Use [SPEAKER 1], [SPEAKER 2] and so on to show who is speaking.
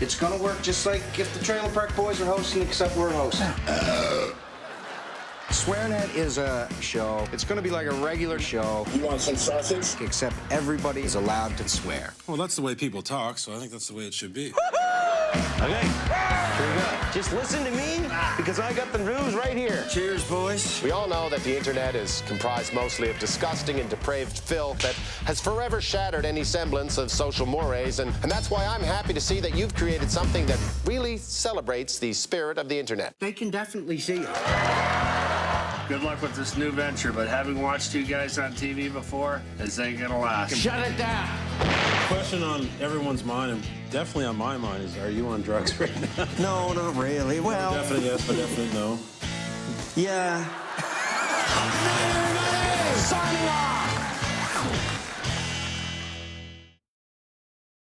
[SPEAKER 1] It's gonna work just like if the Trailer Park Boys are hosting, except we're hosting. SwearNet is a show. It's gonna be like a regular show.
[SPEAKER 2] You want some sausage?
[SPEAKER 1] Except everybody is allowed to swear.
[SPEAKER 3] Well, that's the way people talk, so I think that's the way it should be.
[SPEAKER 4] Okay, here we go. Just listen to me, because I got the news right here.
[SPEAKER 1] Cheers, boys.
[SPEAKER 4] We all know that the internet is comprised mostly of disgusting and depraved filth that has forever shattered any semblance of social mores, and that's why I'm happy to see that you've created something that really celebrates the spirit of the internet.
[SPEAKER 1] They can definitely see it.
[SPEAKER 5] Good luck with this new venture, but having watched you guys on TV before, this ain't gonna last.
[SPEAKER 4] Shut it down!
[SPEAKER 3] Question on everyone's mind, and definitely on my mind, is are you on drugs right now?
[SPEAKER 1] No, not really. Well,
[SPEAKER 3] Definitely yes, but definitely no.
[SPEAKER 1] yeah.